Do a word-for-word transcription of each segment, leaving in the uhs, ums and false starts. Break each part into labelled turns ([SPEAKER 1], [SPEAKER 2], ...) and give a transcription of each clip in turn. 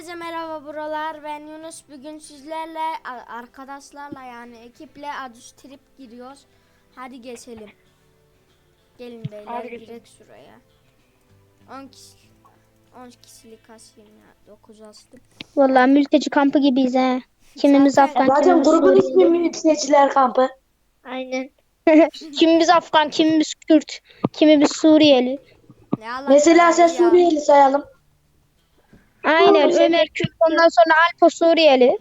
[SPEAKER 1] Herkese merhaba buralar. Ben Yunus. Bugün sizlerle arkadaşlarla yani ekiple Adus Trip giriyoruz. Hadi geçelim. Gelin beyler direkt şuraya. on kişi on kişilik asayım ya. dokuz astım.
[SPEAKER 2] Vallahi mülteci kampı gibiyiz he. Kimimiz
[SPEAKER 1] Zaten-
[SPEAKER 2] Afgan,
[SPEAKER 3] Zaten
[SPEAKER 2] kimimiz
[SPEAKER 3] grubun ismi
[SPEAKER 2] Suriyeli.
[SPEAKER 3] mülteciler kampı.
[SPEAKER 2] Aynen. Kimimiz Afgan, kimimiz Kürt, kimimiz Suriyeli.
[SPEAKER 1] Ne Allah
[SPEAKER 3] Mesela sen
[SPEAKER 1] ya.
[SPEAKER 3] Suriyeli sayalım.
[SPEAKER 2] Aynen.
[SPEAKER 3] Tamam,
[SPEAKER 2] Ömer Kürt, ondan sonra Alpo Suriyeli.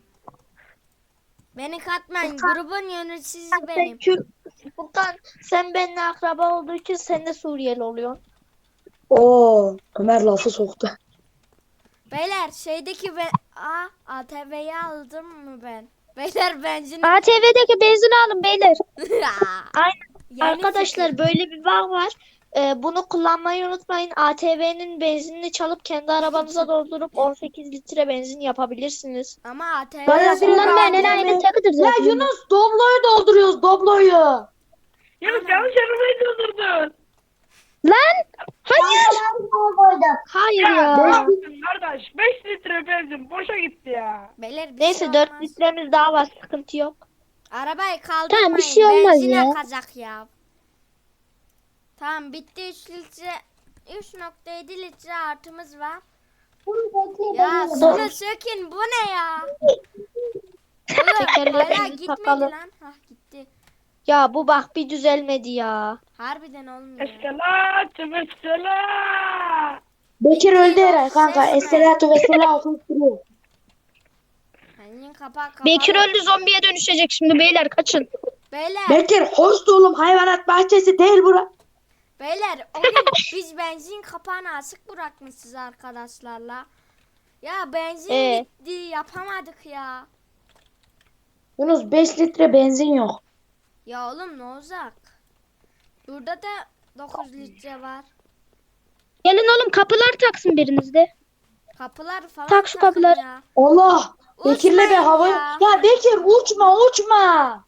[SPEAKER 1] Beni katmayın. Grubun yöneticisi benim.
[SPEAKER 2] Kürt. Furkan sen benimle akraba olduğu için sen de Suriyeli oluyorsun.
[SPEAKER 3] Oo, Ömer lafı soktu.
[SPEAKER 1] Beyler şeydeki ve A A T V'yi aldım mı ben? Beyler benzin.
[SPEAKER 2] A T V'deki benzin alın beyler. Aynen.
[SPEAKER 1] Yeni
[SPEAKER 2] Arkadaşlar
[SPEAKER 1] fikir.
[SPEAKER 2] böyle bir bağ var. Ee, bunu kullanmayı unutmayın. A T V'nin benzinini çalıp kendi arabanıza doldurup on sekiz litre benzin yapabilirsiniz.
[SPEAKER 1] Ama A T V
[SPEAKER 3] Bana
[SPEAKER 1] sonra-
[SPEAKER 3] direkt
[SPEAKER 2] Kullanmayan
[SPEAKER 3] A T V
[SPEAKER 2] enayinin takıdır
[SPEAKER 3] Ya
[SPEAKER 2] zaten.
[SPEAKER 3] Yunus Doblo'yu dolduruyoruz Doblo'yu.
[SPEAKER 4] Yunus yanlış arabayı doldurdun.
[SPEAKER 2] Lan! Hayır! Hayır
[SPEAKER 4] Ya
[SPEAKER 2] ya.
[SPEAKER 4] ne yaptın kardeş? beş litre benzin boşa gitti ya.
[SPEAKER 1] Beyler bir
[SPEAKER 2] Neyse
[SPEAKER 1] şey
[SPEAKER 2] dört
[SPEAKER 1] olmaz.
[SPEAKER 2] litremiz daha var, sıkıntı yok.
[SPEAKER 1] Arabayı kaldırmayın.
[SPEAKER 2] Tamam, bir şey olmaz
[SPEAKER 1] Benzin
[SPEAKER 2] ya.
[SPEAKER 1] akacak ya. Tamam bitti üç litre. üç nokta yedi litre artımız var. Ya sonra sökün bu ne ya? Oğlum hala
[SPEAKER 2] Tekerlerimizi
[SPEAKER 1] gitmedi
[SPEAKER 2] takalım.
[SPEAKER 1] lan. Hah gitti.
[SPEAKER 2] Ya bu bak bir düzelmedi ya.
[SPEAKER 1] Harbiden olmuyor.
[SPEAKER 4] Eskelat, eskelat.
[SPEAKER 3] Bekir öldü herhalde kanka.
[SPEAKER 1] Ses mi?
[SPEAKER 3] Esselatu ve selatü duruyor.
[SPEAKER 1] Benzin kapağı kapalı.
[SPEAKER 2] Bekir öldü, zombiye dönüşecek şimdi beyler, kaçın.
[SPEAKER 1] Beyler,
[SPEAKER 3] Bekir hoş oğlum hayvanat bahçesi değil bura.
[SPEAKER 1] beyler o gün biz benzin kapağını açık bırakmışız arkadaşlarla. Ya benzin
[SPEAKER 2] Ee?
[SPEAKER 1] bitti yapamadık ya.
[SPEAKER 3] Yunus beş litre benzin yok.
[SPEAKER 1] Ya oğlum ne olacak? Burada da dokuz litre var.
[SPEAKER 2] Gelin oğlum, kapılar taksın birinizde.
[SPEAKER 1] Kapılar falan
[SPEAKER 2] Tak şu
[SPEAKER 1] takın
[SPEAKER 2] kapıları.
[SPEAKER 1] ya.
[SPEAKER 3] Allah. Bekir'le bir
[SPEAKER 1] Uçmayın
[SPEAKER 3] hava.
[SPEAKER 1] ya.
[SPEAKER 3] Ya Bekir uçma uçma.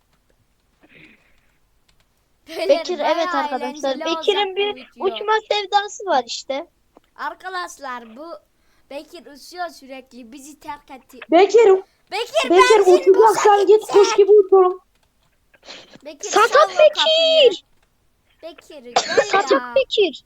[SPEAKER 1] Beyler,
[SPEAKER 2] Bekir
[SPEAKER 1] bayağı
[SPEAKER 2] evet arkadaşlar.
[SPEAKER 1] eğlenceli
[SPEAKER 2] Bekir'in
[SPEAKER 1] olacak bu
[SPEAKER 2] bir
[SPEAKER 1] video.
[SPEAKER 2] uçma sevdası var işte.
[SPEAKER 1] Arkadaşlar bu Bekir uçuyor sürekli bizi terk etti.
[SPEAKER 3] Bekir,
[SPEAKER 1] Bekir,
[SPEAKER 3] Bekir
[SPEAKER 1] benzin boşa
[SPEAKER 3] uçacaksan git
[SPEAKER 1] gitti.
[SPEAKER 3] kuş gibi uç oğlum.
[SPEAKER 1] Bekir,
[SPEAKER 2] Satat
[SPEAKER 1] sal o kapıyı.
[SPEAKER 2] Bekir.
[SPEAKER 1] Bekir gel ya.
[SPEAKER 2] Satak Bekir.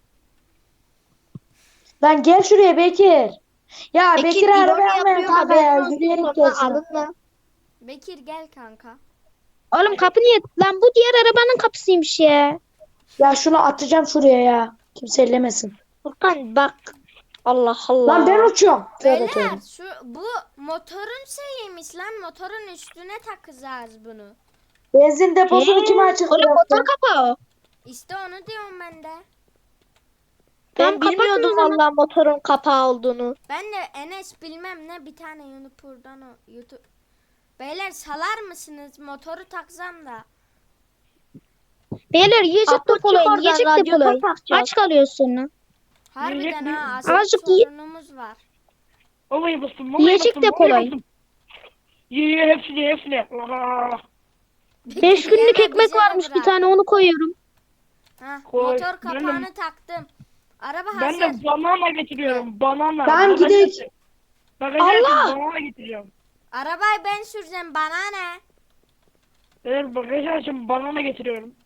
[SPEAKER 3] Lan gel şuraya Bekir. Ya
[SPEAKER 2] Bekir
[SPEAKER 3] Bekir
[SPEAKER 2] ironi
[SPEAKER 3] araba yapmayın
[SPEAKER 2] yapıyor,
[SPEAKER 3] kanka ya.
[SPEAKER 2] haberin olsun,
[SPEAKER 3] Yürüyerek
[SPEAKER 2] sonra
[SPEAKER 3] gelsin.
[SPEAKER 2] alınma.
[SPEAKER 1] Bekir gel kanka.
[SPEAKER 2] Oğlum kapı niye? Lan bu diğer arabanın kapısıymış ya.
[SPEAKER 3] Ya şunu atacağım şuraya ya. Kimse ellemesin.
[SPEAKER 2] Furkan bak. Allah Allah.
[SPEAKER 3] Lan ben uçuyorum. Tövbe
[SPEAKER 1] Beyler
[SPEAKER 3] tövbe.
[SPEAKER 1] şu bu motorun şeyiymiş lan motorun üstüne takacağız bunu.
[SPEAKER 3] Benzin deposunu
[SPEAKER 2] Ee,
[SPEAKER 3] kim açık
[SPEAKER 2] Oğlum motor
[SPEAKER 3] bıraktı?
[SPEAKER 2] kapağı o.
[SPEAKER 1] İşte onu diyorum ben de.
[SPEAKER 2] Ben Tamam, kapatın bilmiyordum o zaman. vallahi motorun kapağı olduğunu.
[SPEAKER 1] Ben de Enes bilmem ne bir tane YouTuber'dan o YouTube. Beyler salar mısınız? Motoru taksam da.
[SPEAKER 2] Beyler yiyecek
[SPEAKER 1] Ah,
[SPEAKER 2] depolayın,
[SPEAKER 3] çık oradan,
[SPEAKER 2] yiyecek
[SPEAKER 3] radyatör
[SPEAKER 2] depolayın.
[SPEAKER 3] takacağız.
[SPEAKER 2] Aç kalıyorsun sonra.
[SPEAKER 1] Harbiden
[SPEAKER 4] Yiyecek
[SPEAKER 1] ha
[SPEAKER 4] mi?
[SPEAKER 1] azıcık
[SPEAKER 2] Azıcık iyi.
[SPEAKER 1] sorunumuz var.
[SPEAKER 4] Vallahi bastım, vallahi
[SPEAKER 2] Yiyecek
[SPEAKER 4] bastım,
[SPEAKER 2] depolayın.
[SPEAKER 4] vallahi bastım. Ye ye hepsini hepsini. Aa,
[SPEAKER 2] Beş günlük
[SPEAKER 1] Yeme, bize
[SPEAKER 2] ekmek
[SPEAKER 1] de
[SPEAKER 2] varmış bir
[SPEAKER 1] bırak.
[SPEAKER 2] tane, onu koyuyorum.
[SPEAKER 1] Ha,
[SPEAKER 4] Koy.
[SPEAKER 1] motor
[SPEAKER 4] Ben de-
[SPEAKER 1] kapağını taktım. Araba
[SPEAKER 4] Ben
[SPEAKER 1] hazır.
[SPEAKER 4] de banana getiriyorum, banana.
[SPEAKER 3] Tamam,
[SPEAKER 4] Bagajı
[SPEAKER 3] gidelim.
[SPEAKER 4] açın. Bagajı açın,
[SPEAKER 3] Allah!
[SPEAKER 4] banana getiriyorum.
[SPEAKER 1] Arabayı ben süreceğim bana ne?
[SPEAKER 4] Evet, bagajı açın, banana getiriyorum.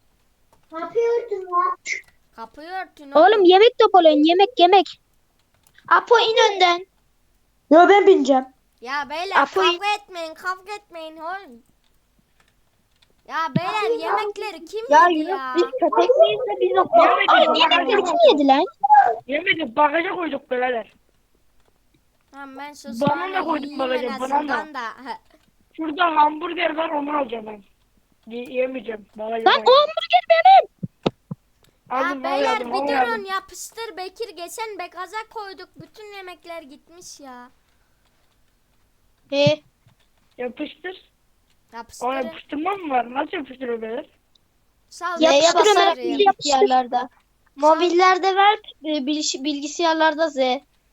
[SPEAKER 1] Kapıyı örtün
[SPEAKER 2] Oğlum yemek depolayın, yemek yemek. Apo in önden.
[SPEAKER 3] Yo ben bineceğim.
[SPEAKER 1] Ya beyler
[SPEAKER 2] Apo'yu-
[SPEAKER 1] kavga etmeyin kavga etmeyin oğlum. Ya beyler yemekleri kim
[SPEAKER 2] Ya
[SPEAKER 1] yedi
[SPEAKER 2] Yunus
[SPEAKER 1] ya?
[SPEAKER 2] biz köpek miyiz de biz o...
[SPEAKER 4] Yemedik,
[SPEAKER 2] Oğlum
[SPEAKER 4] bagaja
[SPEAKER 2] yemekleri
[SPEAKER 4] koyduk.
[SPEAKER 2] kim yedi lan?
[SPEAKER 4] Yemedik, bagaja koyduk birader.
[SPEAKER 1] Tamam ben sus
[SPEAKER 4] Banana koyduk bagaja, banana.
[SPEAKER 1] da.
[SPEAKER 4] Şurada hamburger var, onu alacağım ben. Y- yemeyeceğim, bagaja
[SPEAKER 2] Lan o
[SPEAKER 4] koydum.
[SPEAKER 2] hamburger benim.
[SPEAKER 1] Ya
[SPEAKER 4] Aldım, vallahi
[SPEAKER 1] beyler
[SPEAKER 4] aldım,
[SPEAKER 1] bir
[SPEAKER 4] vallahi
[SPEAKER 1] durun
[SPEAKER 4] aldım.
[SPEAKER 1] yapıştır Bekir geçen bekaza koyduk bütün yemekler gitmiş ya.
[SPEAKER 2] He.
[SPEAKER 4] Yapıştır. O
[SPEAKER 1] Yapıştırın.
[SPEAKER 4] yapıştırma mı var? Nasıl yapıştırıyor beyler?
[SPEAKER 1] Sal
[SPEAKER 2] Y'ye
[SPEAKER 1] yapıştır
[SPEAKER 2] basarak
[SPEAKER 1] oraya.
[SPEAKER 2] bilgisayarlarda. Mobillerde ver, e, bilgis- bilgisayarlarda Z.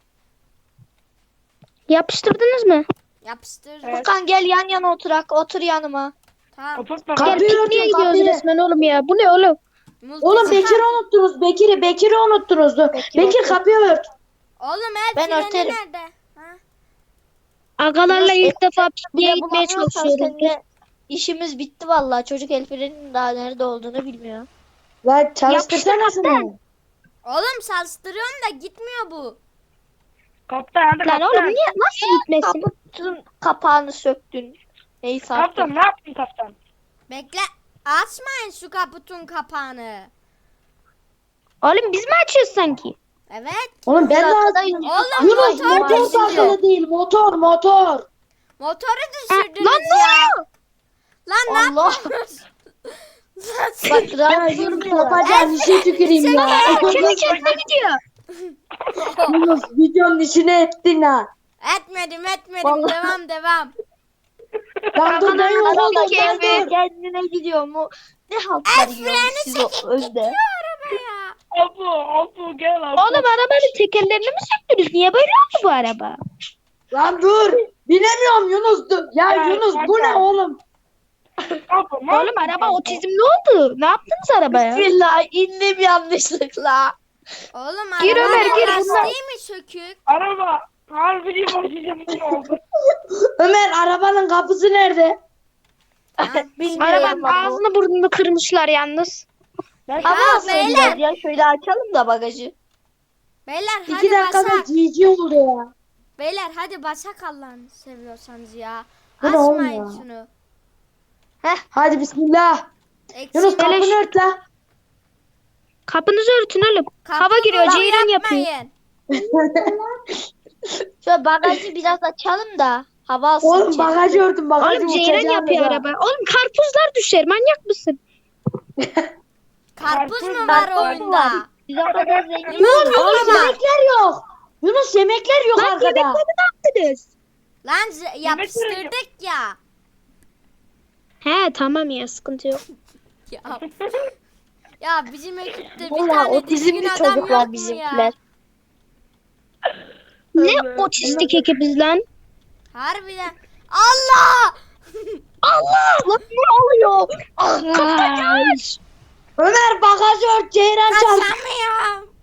[SPEAKER 2] Yapıştırdınız mı?
[SPEAKER 1] Yapıştır.
[SPEAKER 4] Evet.
[SPEAKER 2] Furkan gel yan yana oturak. Otur yanıma.
[SPEAKER 1] Tamam.
[SPEAKER 4] Kapat
[SPEAKER 3] Kapıyı
[SPEAKER 4] bakalım.
[SPEAKER 2] Gel
[SPEAKER 3] örtün,
[SPEAKER 2] pikniğe gidiyoruz
[SPEAKER 3] kapıyı.
[SPEAKER 2] resmen oğlum ya. Bu ne oğlum?
[SPEAKER 3] Oğlum
[SPEAKER 1] Multi-
[SPEAKER 3] Bekir'i unuttunuz. Bekir'i Bekir'i unuttunuz. Dur.
[SPEAKER 2] Bekir,
[SPEAKER 3] Bekir
[SPEAKER 2] otur.
[SPEAKER 3] kapıyı ört.
[SPEAKER 1] Oğlum el
[SPEAKER 2] Ben
[SPEAKER 1] freni
[SPEAKER 2] örterim.
[SPEAKER 1] nerede? Ha?
[SPEAKER 5] Agalarla
[SPEAKER 2] Yunus,
[SPEAKER 5] ilk defa
[SPEAKER 2] Bir
[SPEAKER 5] pikniğe
[SPEAKER 2] de
[SPEAKER 5] gitmeye
[SPEAKER 2] bulamıyorsan
[SPEAKER 5] çalışıyoruz.
[SPEAKER 2] seninle işimiz bitti vallahi. Çocuk el frenin daha nerede olduğunu bilmiyor.
[SPEAKER 3] La çalıştırsana şunu.
[SPEAKER 1] Oğlum salstırıyorum da gitmiyor bu.
[SPEAKER 4] Kaptan hadi
[SPEAKER 5] Lan oğlum
[SPEAKER 4] kaptan.
[SPEAKER 5] niye nasıl gitmesin?
[SPEAKER 2] Kaputun kapağını söktün. Neyse artık.
[SPEAKER 4] Kaptan ne yaptın kaptan?
[SPEAKER 1] Bekle. Açmayın şu kaputun kapağını.
[SPEAKER 5] Oğlum biz mi açıyoruz sanki?
[SPEAKER 1] Evet.
[SPEAKER 3] Oğlum ben de
[SPEAKER 2] Arkadayım.
[SPEAKER 1] Oğlum
[SPEAKER 3] Yunus
[SPEAKER 1] motor
[SPEAKER 3] motor
[SPEAKER 1] düştü.
[SPEAKER 3] takılı değil motor motor.
[SPEAKER 1] Motoru
[SPEAKER 5] Ha,
[SPEAKER 1] düşürdünüz
[SPEAKER 5] lan ne
[SPEAKER 1] ya.
[SPEAKER 5] oluyor?
[SPEAKER 1] Lan ne
[SPEAKER 2] Allah.
[SPEAKER 1] yapıyorsunuz? Lan siz-
[SPEAKER 2] Bak
[SPEAKER 3] Ya
[SPEAKER 2] rahat
[SPEAKER 3] Yunus
[SPEAKER 2] durmuyor.
[SPEAKER 3] yapacağın işe tüküreyim ya.
[SPEAKER 5] Kendi kendine gidiyor.
[SPEAKER 3] Yunus videonun içine ettin ha.
[SPEAKER 1] Etmedim etmedim.
[SPEAKER 2] Vallahi.
[SPEAKER 1] Devam devam.
[SPEAKER 3] Lan dur ben
[SPEAKER 2] Araba
[SPEAKER 3] yoruldum ben
[SPEAKER 2] kendi
[SPEAKER 3] dur.
[SPEAKER 2] kendine gidiyor mu? Ne haltlar yiyorsunuz siz o özde?
[SPEAKER 1] Araba ya.
[SPEAKER 4] Abu abu gel abu.
[SPEAKER 5] Oğlum arabanın tekerlerini mi söktünüz? Niye böyle oldu bu araba?
[SPEAKER 3] Lan dur. Binemiyorum Yunus dur. Ya
[SPEAKER 4] Ya,
[SPEAKER 3] Yunus bu ne
[SPEAKER 4] zaten.
[SPEAKER 3] oğlum?
[SPEAKER 4] Abu, ne
[SPEAKER 5] Oğlum
[SPEAKER 4] yaptın
[SPEAKER 5] araba
[SPEAKER 4] kaptan?
[SPEAKER 5] otizmli oldu. Ne yaptınız arabaya?
[SPEAKER 2] Bismillah indim yanlışlıkla.
[SPEAKER 1] Oğlum
[SPEAKER 5] Gir Ömer,
[SPEAKER 1] arabanın
[SPEAKER 5] gir,
[SPEAKER 1] lastiği
[SPEAKER 5] bunlar-
[SPEAKER 1] mi sökük?
[SPEAKER 4] Araba harbi başlayacağım ne oldu?
[SPEAKER 3] Ömer arabanın kapısı nerede?
[SPEAKER 2] Bilmiyorum
[SPEAKER 5] Arabanın
[SPEAKER 2] ama.
[SPEAKER 5] ağzını burnunu kırmışlar yalnız.
[SPEAKER 4] Ben
[SPEAKER 2] Hava
[SPEAKER 1] Ya,
[SPEAKER 2] alsın
[SPEAKER 1] beyler.
[SPEAKER 2] biraz ya. Şöyle açalım da bagajı.
[SPEAKER 1] Beyler
[SPEAKER 3] İki
[SPEAKER 1] hadi
[SPEAKER 3] dakikada
[SPEAKER 1] basak.
[SPEAKER 3] cici oldu ya.
[SPEAKER 1] Beyler hadi basak Allah'ını seviyorsanız ya.
[SPEAKER 3] Bu ne oğlum
[SPEAKER 1] Açmayın
[SPEAKER 3] ya?
[SPEAKER 1] şunu.
[SPEAKER 3] Hadi bismillah.
[SPEAKER 1] Eksik.
[SPEAKER 3] Yunus kapını
[SPEAKER 5] Beleş.
[SPEAKER 3] ört la.
[SPEAKER 5] Kapınızı örtün oğlum. Hava
[SPEAKER 1] Kapı
[SPEAKER 5] giriyor,
[SPEAKER 1] dolabı
[SPEAKER 5] ceyran yapıyor.
[SPEAKER 1] yapmayın.
[SPEAKER 2] Şöyle bagajı biraz açalım da hava alsın.
[SPEAKER 3] Oğlum
[SPEAKER 2] içeri.
[SPEAKER 3] bagajı örtün bagajı
[SPEAKER 5] Oğlum ceyran
[SPEAKER 3] uçacağım
[SPEAKER 5] yapıyor
[SPEAKER 3] ya.
[SPEAKER 5] araba. Oğlum karpuzlar düşer, manyak mısın?
[SPEAKER 1] Karpuz mu
[SPEAKER 4] Karpuz
[SPEAKER 1] var
[SPEAKER 2] var.
[SPEAKER 1] oyunda?
[SPEAKER 2] Biz o kadar zengin.
[SPEAKER 1] Yunus
[SPEAKER 3] Oğlum
[SPEAKER 1] yoklama.
[SPEAKER 3] yemekler yok. Yunus yemekler yok
[SPEAKER 5] Lan
[SPEAKER 3] arkada.
[SPEAKER 5] yemekleri ne yaptınız?
[SPEAKER 1] Lan z- yapıştırdık ya.
[SPEAKER 5] He tamam ya, sıkıntı yok.
[SPEAKER 1] Ya, ya bizim ekipte bir
[SPEAKER 2] Valla
[SPEAKER 1] tane düzgün
[SPEAKER 2] otizmli
[SPEAKER 1] adam yok
[SPEAKER 2] çocuklar
[SPEAKER 1] mu
[SPEAKER 2] bizimkiler.
[SPEAKER 1] ya?
[SPEAKER 5] Ne otistik ekibiz lan?
[SPEAKER 1] Harbiden. Allah!
[SPEAKER 2] Allah! Lan ne oluyor?
[SPEAKER 5] Kaç.
[SPEAKER 3] Ömer bagajı ört ceyran çarp.
[SPEAKER 1] Kaçamıyorum.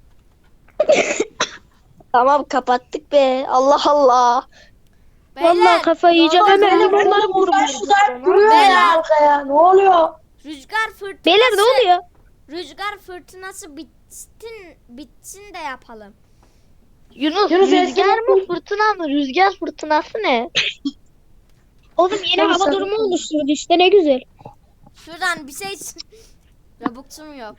[SPEAKER 2] Tamam kapattık be. Allah Allah.
[SPEAKER 1] Beyler,
[SPEAKER 5] Vallahi kafayı yiyeceğim.
[SPEAKER 1] ne
[SPEAKER 5] Hemen
[SPEAKER 1] oluyor?
[SPEAKER 5] limonları
[SPEAKER 3] Oğlum
[SPEAKER 5] vurun.
[SPEAKER 3] buradan şuradan duruyor
[SPEAKER 1] Beyler.
[SPEAKER 3] ya arkaya. Ne oluyor?
[SPEAKER 1] Rüzgar fırtınası.
[SPEAKER 5] Beyler ne oluyor?
[SPEAKER 1] Rüzgar fırtınası bitsin, bitsin de yapalım.
[SPEAKER 2] Yunus,
[SPEAKER 3] Yunus,
[SPEAKER 2] rüzgar
[SPEAKER 3] eskiden-
[SPEAKER 2] mı fırtına mı? Rüzgar fırtınası ne?
[SPEAKER 5] Oğlum yeni
[SPEAKER 3] Tamam,
[SPEAKER 5] hava
[SPEAKER 3] sen-
[SPEAKER 5] durumu oluşturdu işte, ne güzel.
[SPEAKER 1] Şuradan bir şey... Robux'um yok.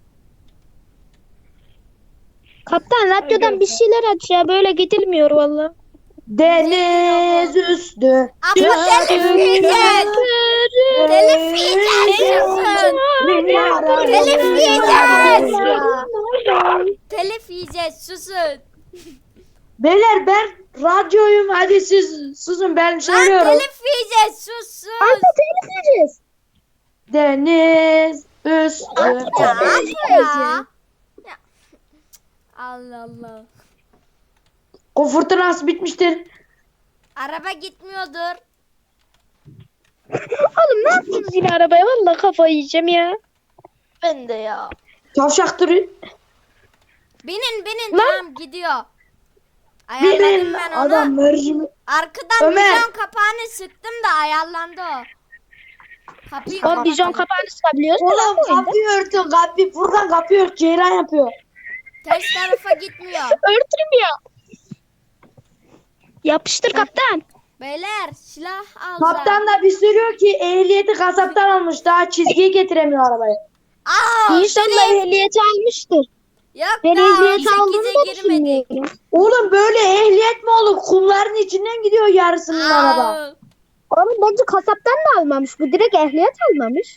[SPEAKER 5] Kaptan radyodan bir şeyler aç ya, böyle gidilmiyor valla.
[SPEAKER 3] Deniz üstü.
[SPEAKER 1] Ama telif yiyeceğiz. Telif yiyeceğiz. susun. Telif yiyeceğiz. Telif yiyeceğiz susun.
[SPEAKER 3] Beyler ben radyoyum hadi siz susun ben
[SPEAKER 1] Lan
[SPEAKER 3] söylüyorum.
[SPEAKER 1] telif yiyeceğiz susun.
[SPEAKER 5] telif yiyeceğiz.
[SPEAKER 3] Deniz üstü.
[SPEAKER 1] Ya Apo ya. Ya. Allah Allah.
[SPEAKER 3] O fırtınası bitmiştir.
[SPEAKER 1] Araba gitmiyordur.
[SPEAKER 5] Oğlum ne yaptınız yine arabaya, valla kafayı yiyeceğim ya.
[SPEAKER 2] Ben de ya.
[SPEAKER 3] Tavşaktır.
[SPEAKER 1] Binin binin
[SPEAKER 5] Lan.
[SPEAKER 1] tamam gidiyor. Ayarladım
[SPEAKER 3] Benim
[SPEAKER 1] ben onu.
[SPEAKER 3] adam mercimi.
[SPEAKER 1] Arkadan
[SPEAKER 3] Ömer.
[SPEAKER 1] vizyon kapağını sıktım da ayarlandı o. Kapıyı
[SPEAKER 5] Oğlum vizyon
[SPEAKER 1] kapatalım.
[SPEAKER 5] kapağını sıkabiliyoruz mu lan
[SPEAKER 3] Oğlum
[SPEAKER 5] bu oyunda?
[SPEAKER 3] kapıyı örtün kapıyı. Furkan kapıyı ört ceyran yapıyor.
[SPEAKER 1] Ters tarafa gitmiyor.
[SPEAKER 5] Örtürüm ya. Yapıştır kaptan.
[SPEAKER 1] Beyler silah alacağım.
[SPEAKER 3] Kaptan da bir sürüyor ki ehliyeti kasaptan almış. Daha çizgiye getiremiyor arabayı.
[SPEAKER 1] Aa,
[SPEAKER 5] İnşallah ehliyeti almıştır.
[SPEAKER 1] yok
[SPEAKER 5] Ben
[SPEAKER 1] daha
[SPEAKER 5] ehliyeti aldığını
[SPEAKER 1] on sekize
[SPEAKER 5] da
[SPEAKER 1] girmedik.
[SPEAKER 5] düşünmüyorum.
[SPEAKER 3] Oğlum böyle ehliyet mi olur? Kumların içinden gidiyor yarısının araba.
[SPEAKER 1] Aa,
[SPEAKER 5] Oğlum bence kasaptan da almamış. Bu direkt ehliyet almamış.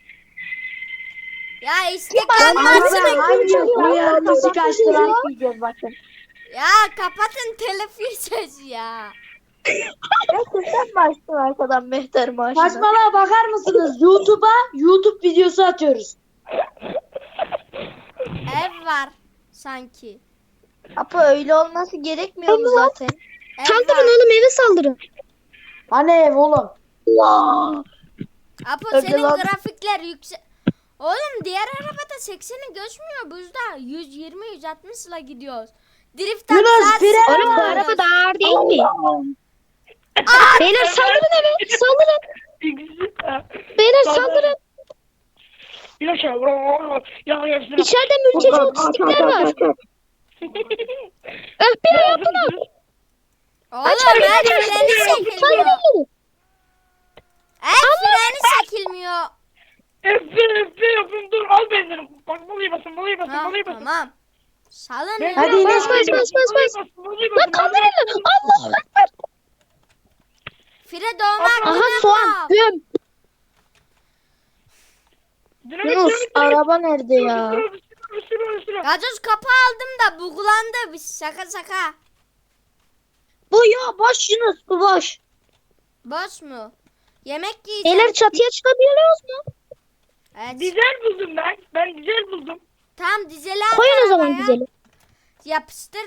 [SPEAKER 1] ya istiklal
[SPEAKER 3] Araba
[SPEAKER 1] marşını
[SPEAKER 3] hangi uyar müzik açtılar?
[SPEAKER 2] bakın.
[SPEAKER 1] ya kapatın telif yiyeceğiz ya.
[SPEAKER 2] Gerçekten mi açtın arkadan mehter maaşını?
[SPEAKER 3] Saçmalığa bakar mısınız? YouTube'a YouTube videosu atıyoruz.
[SPEAKER 1] Ev var sanki.
[SPEAKER 2] Apo öyle olması gerekmiyor mu zaten?
[SPEAKER 1] Ev
[SPEAKER 5] Saldırın
[SPEAKER 1] var.
[SPEAKER 5] oğlum, eve saldırın.
[SPEAKER 3] Hani ev oğlum?
[SPEAKER 2] Allah.
[SPEAKER 1] Apo
[SPEAKER 2] Öyle
[SPEAKER 1] senin
[SPEAKER 2] lan.
[SPEAKER 1] grafikler yüksek. Oğlum diğer arabada sekseni geçmiyor buzda. yüz yirmi yüz altmış ile gidiyoruz. Drift
[SPEAKER 3] Yunus,
[SPEAKER 1] atsan
[SPEAKER 3] fren
[SPEAKER 1] sıkıntı
[SPEAKER 5] Oğlum bu
[SPEAKER 3] var.
[SPEAKER 1] olur.
[SPEAKER 5] araba da ağır değil mi? Beyler saldırın eve. Saldırın. Beyler saldırın.
[SPEAKER 4] Bir aşağı. Ya yaşlı.
[SPEAKER 5] İçeride mülteci otistikler var. F B I yapın abi.
[SPEAKER 1] Oğlum el freni çekilmiyor.
[SPEAKER 5] Saldırın.
[SPEAKER 1] El freni çekilmiyor.
[SPEAKER 4] F B F B yapın dur al benzini. Bak balayı basın balayı basın
[SPEAKER 1] Ha,
[SPEAKER 4] balayı basın.
[SPEAKER 1] tamam. Salın
[SPEAKER 4] Ben-
[SPEAKER 1] ya.
[SPEAKER 3] Hadi yine
[SPEAKER 5] Bas bas bas bas bas. Lan kaldırın lan. Allah ekber.
[SPEAKER 1] Fire doğmak
[SPEAKER 5] Aha
[SPEAKER 1] gibi
[SPEAKER 5] soğan.
[SPEAKER 1] yapma.
[SPEAKER 5] Göm.
[SPEAKER 3] Yunus araba nerede ya?
[SPEAKER 1] Gazoz kapı aldım da buglandı. Biz şaka şaka.
[SPEAKER 3] Bu ya boş Yunus bu boş.
[SPEAKER 1] Boş mu? Yemek yiyeceğim.
[SPEAKER 5] Beyler çatıya çıkabiliyoruz mu?
[SPEAKER 1] Evet.
[SPEAKER 4] Dizel buldum ben. Ben dizel buldum.
[SPEAKER 1] Tam dizeli at
[SPEAKER 5] Koyun o zaman
[SPEAKER 1] arabaya.
[SPEAKER 5] güzeli.
[SPEAKER 1] Yapıştır.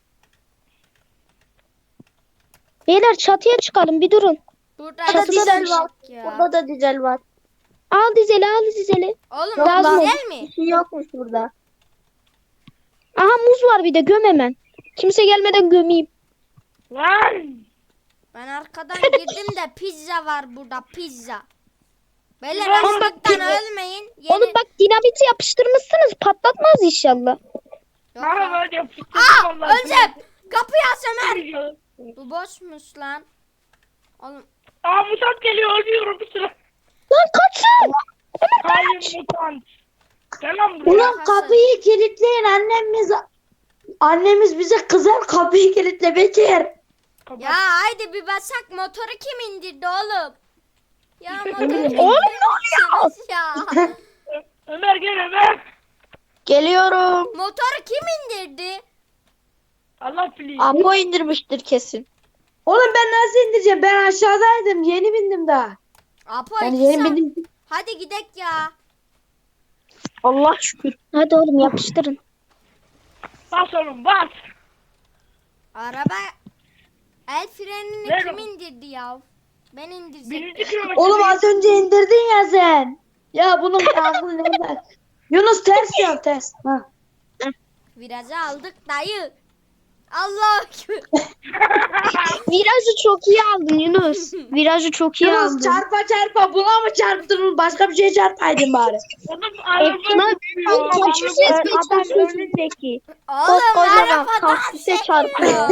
[SPEAKER 5] Beyler çatıya çıkalım bir durun.
[SPEAKER 1] Burada
[SPEAKER 2] Burada dizel var.
[SPEAKER 1] Ya.
[SPEAKER 2] Burada da dizel var.
[SPEAKER 5] Al dizeli al dizeli.
[SPEAKER 1] Oğlum
[SPEAKER 2] Yok
[SPEAKER 1] bu
[SPEAKER 5] lan.
[SPEAKER 1] dizel mi?
[SPEAKER 2] Bir şey yokmuş burada.
[SPEAKER 5] Aha muz var bir de göm hemen. Kimse gelmeden gömeyim.
[SPEAKER 4] Lan.
[SPEAKER 1] Ben arkadan girdim de pizza var burada pizza. Beyler
[SPEAKER 4] Oğlum bak,
[SPEAKER 1] açlıktan
[SPEAKER 5] dinle-
[SPEAKER 1] ölmeyin. Yeni...
[SPEAKER 5] Oğlum bak dinamiti yapıştırmışsınız patlatmaz inşallah.
[SPEAKER 1] Yok
[SPEAKER 4] Bana
[SPEAKER 1] ya.
[SPEAKER 4] böyle yapıştırdım
[SPEAKER 1] Aa
[SPEAKER 4] vallahi.
[SPEAKER 1] öleceğim. Kapıyı aç Ömer. Bu boşmuş lan. Oğlum
[SPEAKER 4] Aa mutant geliyor ölüyorum bir süre.
[SPEAKER 5] Lan kaçın.
[SPEAKER 4] Hayır mutant. Selam buraya.
[SPEAKER 3] Ulan kapıyı kilitleyin annemiz. Annemiz bize kızar kapıyı kilitle Bekir.
[SPEAKER 4] Kapat.
[SPEAKER 1] ya haydi bir basak motoru kim indirdi oğlum? Ya motoru kim
[SPEAKER 3] Oğlum,
[SPEAKER 1] indirmişsiniz ya?
[SPEAKER 4] Ö- Ömer gel Ömer.
[SPEAKER 2] Geliyorum.
[SPEAKER 1] Motoru kim indirdi?
[SPEAKER 4] Allah please.
[SPEAKER 2] Apo indirmiştir kesin.
[SPEAKER 3] Oğlum ben nasıl indireceğim? Ben aşağıdaydım. Yeni bindim daha.
[SPEAKER 1] Apo
[SPEAKER 3] Yani
[SPEAKER 1] iki
[SPEAKER 3] yeni
[SPEAKER 1] saat-
[SPEAKER 3] bindim.
[SPEAKER 1] Hadi gidek ya.
[SPEAKER 2] Allah şükür.
[SPEAKER 5] Hadi oğlum yapıştırın.
[SPEAKER 4] Bas oğlum bas.
[SPEAKER 1] Araba el frenini
[SPEAKER 4] Ver
[SPEAKER 1] kim
[SPEAKER 4] o.
[SPEAKER 1] indirdi ya? Ben indirdim.
[SPEAKER 4] Birinci kilometre.
[SPEAKER 3] Oğlum az önce indirdin ya sen. Ya bunun aklı nerede? Yunus ters ya ters. Ha.
[SPEAKER 1] Virajı aldık dayı. Allah
[SPEAKER 5] Virajı çok iyi aldın Yunus. Virajı çok iyi
[SPEAKER 3] Yunus
[SPEAKER 5] aldın.
[SPEAKER 3] çarpa çarpa buna mı çarptın? Başka bir şey çarpaydın bari.
[SPEAKER 4] Oğlum araba
[SPEAKER 5] Lan,
[SPEAKER 4] gidiyor.
[SPEAKER 5] kaçıyorsun?
[SPEAKER 4] Araba-
[SPEAKER 2] Adam önündeki.
[SPEAKER 1] Oğlum
[SPEAKER 2] Koskocaman
[SPEAKER 1] arabadan
[SPEAKER 2] kaktüse
[SPEAKER 1] çarpıyor.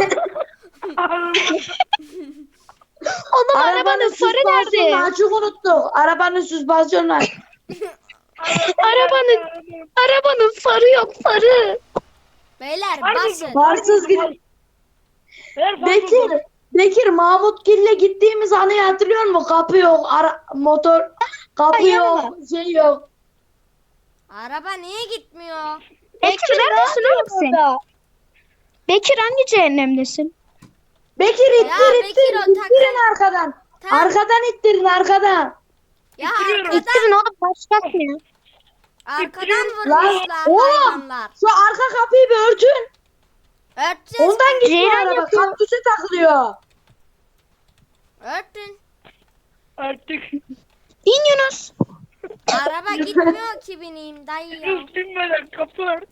[SPEAKER 5] Oğlum arabanın farı nerede?
[SPEAKER 3] Açık unuttuk. Arabanın süspansiyonu var.
[SPEAKER 5] Arabanın arabanın farı yok farı.
[SPEAKER 1] Beyler
[SPEAKER 4] Harbi
[SPEAKER 1] basın.
[SPEAKER 3] Varsız gidin.
[SPEAKER 4] Ver, bas
[SPEAKER 3] Bekir.
[SPEAKER 4] oğlum.
[SPEAKER 3] Bekir Mahmutgil'le gittiğimiz anıyı hatırlıyor musun? Kapı yok. Ara, motor. Kapı
[SPEAKER 2] Ay,
[SPEAKER 3] yok. Şey yok.
[SPEAKER 1] Araba niye gitmiyor?
[SPEAKER 5] Bekir neredesin oğlum sen?
[SPEAKER 2] Burada.
[SPEAKER 5] Bekir hangi cehennemdesin?
[SPEAKER 3] Bekir ittir
[SPEAKER 1] Bekir,
[SPEAKER 3] ittir.
[SPEAKER 1] o
[SPEAKER 3] İttirin
[SPEAKER 1] takı-
[SPEAKER 3] arkadan.
[SPEAKER 1] Tamam.
[SPEAKER 3] Arkadan ittirin arkadan.
[SPEAKER 1] Ya
[SPEAKER 4] İttiriyorum.
[SPEAKER 1] arkadan,
[SPEAKER 5] İttirin oğlum başlatmıyor.
[SPEAKER 1] arkadan
[SPEAKER 3] Lan,
[SPEAKER 1] vurmuşlar
[SPEAKER 3] oğlum.
[SPEAKER 1] hayvanlar.
[SPEAKER 3] Şu arka kapıyı bir örtün.
[SPEAKER 1] Örteceğiz.
[SPEAKER 3] Ondan gitmiyor
[SPEAKER 5] Ceylan
[SPEAKER 3] araba.
[SPEAKER 5] yapıyor.
[SPEAKER 3] Kaktüse takılıyor.
[SPEAKER 1] Örtün.
[SPEAKER 4] Artık.
[SPEAKER 5] İn Yunus.
[SPEAKER 1] Araba gitmiyor ki bineyim dayı ya.
[SPEAKER 4] Üstünmeden kapı ört.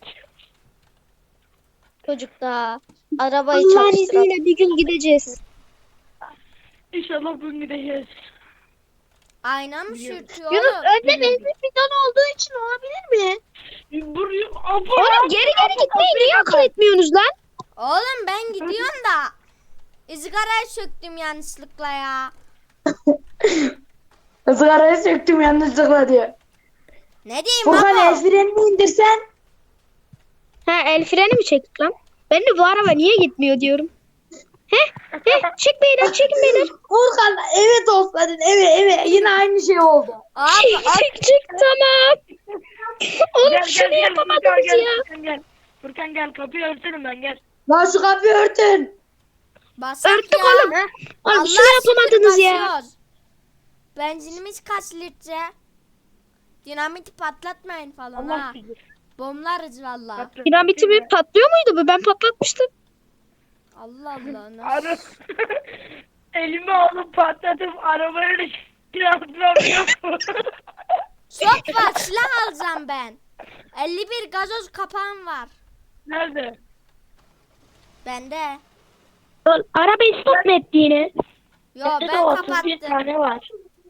[SPEAKER 2] Çocuk da arabayı
[SPEAKER 5] Allah'ın
[SPEAKER 2] çalıştıran.
[SPEAKER 5] izniyle bir gün gideceğiz.
[SPEAKER 4] İnşallah bugün gideceğiz.
[SPEAKER 1] Ayna mı sürtüyor
[SPEAKER 2] Yunus
[SPEAKER 1] oğlum?
[SPEAKER 2] önde benzin bidonu olduğu için olabilir mi?
[SPEAKER 4] Buraya abla.
[SPEAKER 5] Oğlum geri geri gitmeyi niye akıl etmiyorsunuz lan?
[SPEAKER 1] Oğlum ben gidiyorum da ızgarayı söktüm yanlışlıkla ya.
[SPEAKER 3] Sigarayı söktüm yanlışlıkla diyor.
[SPEAKER 1] Ne diyeyim
[SPEAKER 3] Furkan
[SPEAKER 1] baba?
[SPEAKER 3] el frenini indirsen.
[SPEAKER 5] Ha el freni mi çektik lan? Ben de bu araba niye gitmiyor diyorum. Heh, heh, çek beyler çekin beyler.
[SPEAKER 3] Furkan evet olsaydın eve eve yine aynı şey oldu.
[SPEAKER 1] Abi
[SPEAKER 5] Çek çek tamam. Oğlum
[SPEAKER 4] Gel,
[SPEAKER 5] şunu
[SPEAKER 4] gel, gel,
[SPEAKER 5] yapamadınız
[SPEAKER 4] Furkan,
[SPEAKER 5] ya.
[SPEAKER 4] gel, Furkan gel. Furkan gel kapıyı örtelim ben gel.
[SPEAKER 3] Lan şu kapıyı örtün.
[SPEAKER 1] basak
[SPEAKER 5] Örttük
[SPEAKER 1] ya.
[SPEAKER 5] oğlum. Oğlum
[SPEAKER 1] Allah
[SPEAKER 5] şunu yapamadınız
[SPEAKER 1] şükür
[SPEAKER 5] ya.
[SPEAKER 1] basıyoruz. Benzinimiz kaç litre? Dinamiti patlatmayın falan
[SPEAKER 4] Allah
[SPEAKER 1] ha.
[SPEAKER 4] bilir.
[SPEAKER 1] Bomlarız valla.
[SPEAKER 4] Patlat.
[SPEAKER 5] Dinamiti mi patlıyor muydu bu? Ben patlatmıştım.
[SPEAKER 1] Allah Allah. Nasıl?
[SPEAKER 4] Ara... Elime alıp patlatıp arabayı da yaptıramıyorum.
[SPEAKER 1] Çok var silah alacağım ben. elli bir gazoz kapağım var.
[SPEAKER 4] Nerede?
[SPEAKER 1] Bende.
[SPEAKER 5] Arabayı stop mu etti yine?
[SPEAKER 1] Yo
[SPEAKER 2] Bende de
[SPEAKER 1] ben
[SPEAKER 2] otuz bir
[SPEAKER 1] kapattım.
[SPEAKER 2] tane var.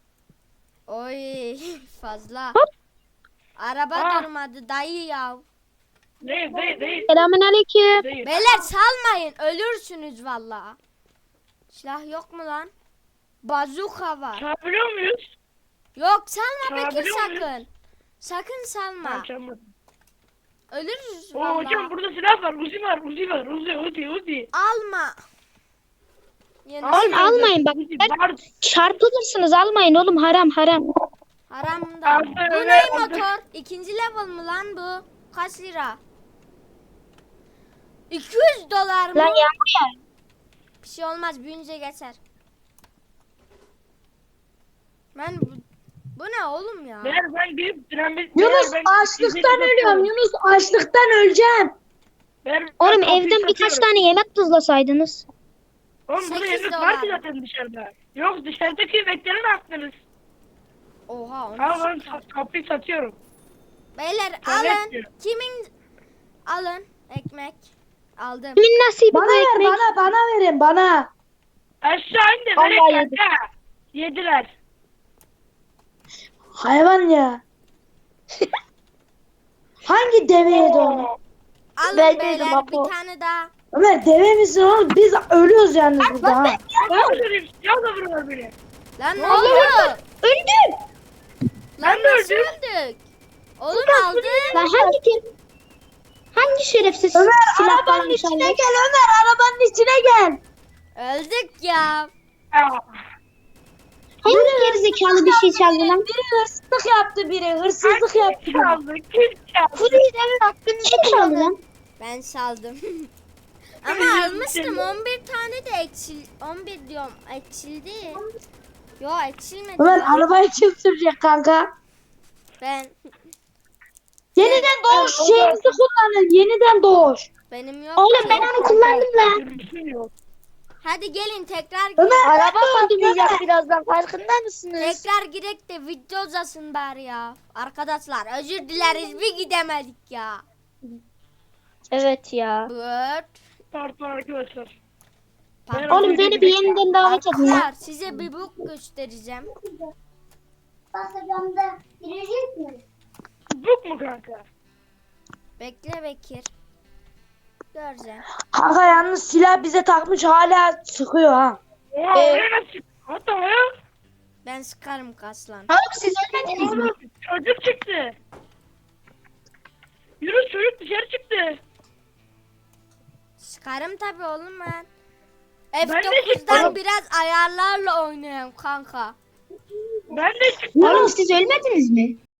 [SPEAKER 1] Oy fazla.
[SPEAKER 5] Hop.
[SPEAKER 1] Araba
[SPEAKER 4] Ah.
[SPEAKER 1] durmadı dayı ya.
[SPEAKER 4] Değil değil değil.
[SPEAKER 5] Selamünaleyküm.
[SPEAKER 4] Değil.
[SPEAKER 1] Beyler salmayın ölürsünüz valla. Silah yok mu lan? Bazuka var.
[SPEAKER 4] Çalabiliyor muyuz?
[SPEAKER 1] Yok salma Bekir
[SPEAKER 4] Çalabiliyor muyuz?
[SPEAKER 1] sakın. Sakın salma.
[SPEAKER 4] Ben çalmadım.
[SPEAKER 1] Ölürüz
[SPEAKER 4] Oo
[SPEAKER 1] valla.
[SPEAKER 4] hocam burada silah var. Uzi var. Uzi var. Uzi Uzi Uzi.
[SPEAKER 1] Alma. Yeni
[SPEAKER 5] Oğlum almayın bak.
[SPEAKER 4] Uzi
[SPEAKER 5] Ben-
[SPEAKER 4] var.
[SPEAKER 5] Çarpılırsınız almayın oğlum haram haram.
[SPEAKER 1] haramda.
[SPEAKER 4] Aldı,
[SPEAKER 1] Bu
[SPEAKER 4] öyle
[SPEAKER 1] ne
[SPEAKER 4] aldı.
[SPEAKER 1] motor? İkinci level mı lan bu? Kaç lira? iki yüz dolar mı?
[SPEAKER 5] Lan yağmur ya.
[SPEAKER 1] Bir şey olmaz büyünce geçer. Ben bu, bu ne oğlum ya?
[SPEAKER 4] Meğer ben gidip dinamit...
[SPEAKER 3] Yunus
[SPEAKER 4] meğer ben-
[SPEAKER 3] açlıktan ölüyorum. Yunus açlıktan öleceğim.
[SPEAKER 4] Meğer ben
[SPEAKER 5] Oğlum
[SPEAKER 4] kapıyı
[SPEAKER 5] evden birkaç
[SPEAKER 4] satıyorum.
[SPEAKER 5] tane yemek tuzlasaydınız.
[SPEAKER 4] Oğlum burada
[SPEAKER 1] sekiz
[SPEAKER 4] yemek var ki
[SPEAKER 1] dolar.
[SPEAKER 4] zaten dışarıda. Yok dışarıdaki yemekleri ne yaptınız?
[SPEAKER 1] Oha onu
[SPEAKER 4] Al ben
[SPEAKER 1] sıkar.
[SPEAKER 4] sa- kapıyı satıyorum.
[SPEAKER 1] Beyler
[SPEAKER 4] Ben
[SPEAKER 1] alın.
[SPEAKER 4] etmiyorum.
[SPEAKER 1] Kimin? Alın ekmek. Aldım.
[SPEAKER 5] Kimin nasibi
[SPEAKER 3] Bana
[SPEAKER 5] bu
[SPEAKER 3] ver
[SPEAKER 5] ekmek?
[SPEAKER 3] bana bana verin bana.
[SPEAKER 4] Aşağı in de
[SPEAKER 5] Vallahi
[SPEAKER 4] nereye
[SPEAKER 5] yedim.
[SPEAKER 4] kanka? Yediler.
[SPEAKER 3] Hayvan ya. Hangi deve yedi onu?
[SPEAKER 4] Oo.
[SPEAKER 1] Alın
[SPEAKER 2] Ben
[SPEAKER 1] beyler
[SPEAKER 2] dedim,
[SPEAKER 1] bir
[SPEAKER 2] Apo.
[SPEAKER 1] tane daha.
[SPEAKER 3] Ömer deve misin oğlum? Biz ölüyoruz yalnız burada ha.
[SPEAKER 4] Ben öldüreyim. Ya da vuruyor beni.
[SPEAKER 1] Lan ne
[SPEAKER 4] Ne oluyor?
[SPEAKER 1] oluyor?
[SPEAKER 5] Öldüm.
[SPEAKER 1] Lan
[SPEAKER 4] Ben de
[SPEAKER 1] nasıl
[SPEAKER 4] öldüm.
[SPEAKER 1] öldük? Oğlum aldı.
[SPEAKER 5] Lan hangi kim? Hangi şerefsiz
[SPEAKER 3] Ömer
[SPEAKER 5] silah
[SPEAKER 3] arabanın
[SPEAKER 5] varmış
[SPEAKER 3] içine
[SPEAKER 5] almış?
[SPEAKER 3] gel Ömer arabanın içine gel.
[SPEAKER 1] Öldük ya.
[SPEAKER 4] Aa.
[SPEAKER 5] Hangi gerizekalı bir şey çaldı lan?
[SPEAKER 3] Biri hırsızlık yaptı biri hırsızlık
[SPEAKER 4] Kim
[SPEAKER 3] yaptı. biri.
[SPEAKER 4] çaldı? Kim çaldı?
[SPEAKER 5] Furi'den hakkınızı çaldı lan.
[SPEAKER 1] Ben saldım. Ama almıştım on bir tane de eksil on bir diyorum eksildi. Yo eksilmedi.
[SPEAKER 3] Ömer
[SPEAKER 1] lan.
[SPEAKER 3] arabayı kim sürecek kanka?
[SPEAKER 1] Ben
[SPEAKER 3] Yeniden doğuş şeyimizi kullanın. Yeniden doğuş.
[SPEAKER 1] benim yok.
[SPEAKER 5] Oğlum
[SPEAKER 1] ki.
[SPEAKER 5] ben onu kullandım lan.
[SPEAKER 4] Sürüsün yok.
[SPEAKER 1] Hadi gelin tekrar
[SPEAKER 3] Ömer
[SPEAKER 1] girek.
[SPEAKER 2] Araba patlayacak birazdan farkında mısınız?
[SPEAKER 1] Tekrar girek de video uzasın bari ya. Arkadaşlar özür dileriz bir gidemedik ya.
[SPEAKER 2] Evet ya.
[SPEAKER 1] Bırt.
[SPEAKER 4] Pardon arkadaşlar.
[SPEAKER 1] Pardon.
[SPEAKER 5] Oğlum beni bir yeniden davet edin ya.
[SPEAKER 1] Arkadaşlar size bir book göstereceğim.
[SPEAKER 4] Buk mu kanka?
[SPEAKER 1] Bekle Bekir. Göreceğim.
[SPEAKER 3] Kanka yalnız silah bize takmış hala sıkıyor ha.
[SPEAKER 4] Oo,
[SPEAKER 2] Ee,
[SPEAKER 4] oraya nasıl? Hatta ya.
[SPEAKER 1] Ben sıkarım kaslan.
[SPEAKER 5] Oğlum siz ölmediniz mi?
[SPEAKER 4] Oğlum çocuk çıktı. Yunus çocuk dışarı çıktı.
[SPEAKER 1] Sıkarım tabi oğlum ben.
[SPEAKER 4] Ben de
[SPEAKER 1] F dokuz'dan
[SPEAKER 4] çıktım.
[SPEAKER 1] biraz ayarlarla oynuyorum kanka.
[SPEAKER 4] Ben de çıktım.
[SPEAKER 5] Oğlum siz ölmediniz mi?